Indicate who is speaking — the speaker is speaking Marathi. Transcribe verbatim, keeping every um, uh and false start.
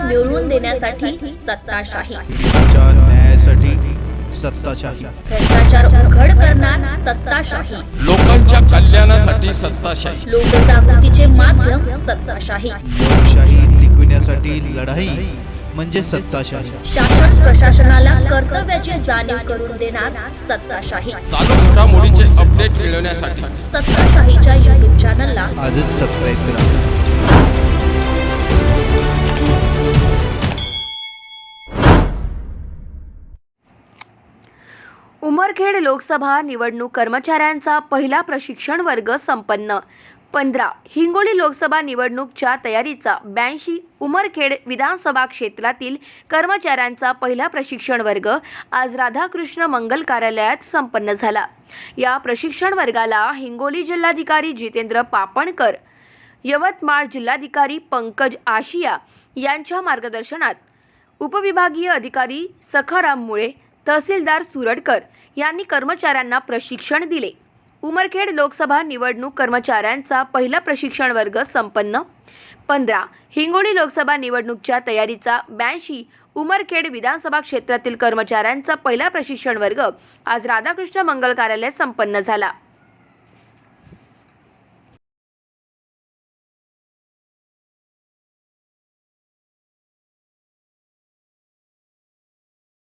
Speaker 1: मिळवून देण्यासाठी सत्ताशाही,
Speaker 2: च्या न्यायासाठी सत्ताशाही,
Speaker 1: भ्रष्टाचार उघड करणार सत्ताशाही,
Speaker 3: लोकांच्या कल्याणासाठी सत्ताशाही,
Speaker 1: लोकजागृतीचे माध्यम सत्ताशाही,
Speaker 2: लोकशाही टिकविण्यासाठी लढाई म्हणजे सत्ताशाही,
Speaker 1: शासन प्रशासनाला कर्तव्याची जाणीव करून देणार सत्ताशाही.
Speaker 3: चालू घडामोडीचे अपडेट मिळवण्यासाठी
Speaker 1: सत्ताशाहीच्या युट्यूब चॅनलला
Speaker 2: आजच सबस्क्राईब करा.
Speaker 4: उमरखेड लोकसभा निवडणूक कर्मचाऱ्यांचा पहिला प्रशिक्षण वर्ग संपन्न. पंधरा हिंगोली लोकसभा निवडणूकच्या तयारीचा ब्याऐंशी उमरखेड विधानसभा क्षेत्रातील कर्मचाऱ्यांचा पहिला प्रशिक्षण वर्ग आज राधाकृष्ण मंगल कार्यालयात संपन्न झाला. या प्रशिक्षण वर्गाला हिंगोली जिल्हाधिकारी जितेंद्र पापणकर, यवतमाळ जिल्हाधिकारी पंकज आशिया यांच्या मार्गदर्शनात उपविभागीय अधिकारी सखाराम मुळे, तहसीलदार सुरडकर यांनी कर्मचाऱ्यांना प्रशिक्षण दिले. उमरखेड लोकसभा निवडणूक कर्मचाऱ्यांचा पहिला प्रशिक्षण वर्ग संपन्न. पंधरा हिंगोली लोकसभा निवडणूकच्या तयारीचा ब्याऐंशी उमरखेड विधानसभा क्षेत्रातील कर्मचाऱ्यांचा पहिला प्रशिक्षण वर्ग आज राधाकृष्ण मंगल कार्यालयात संपन्न झाला.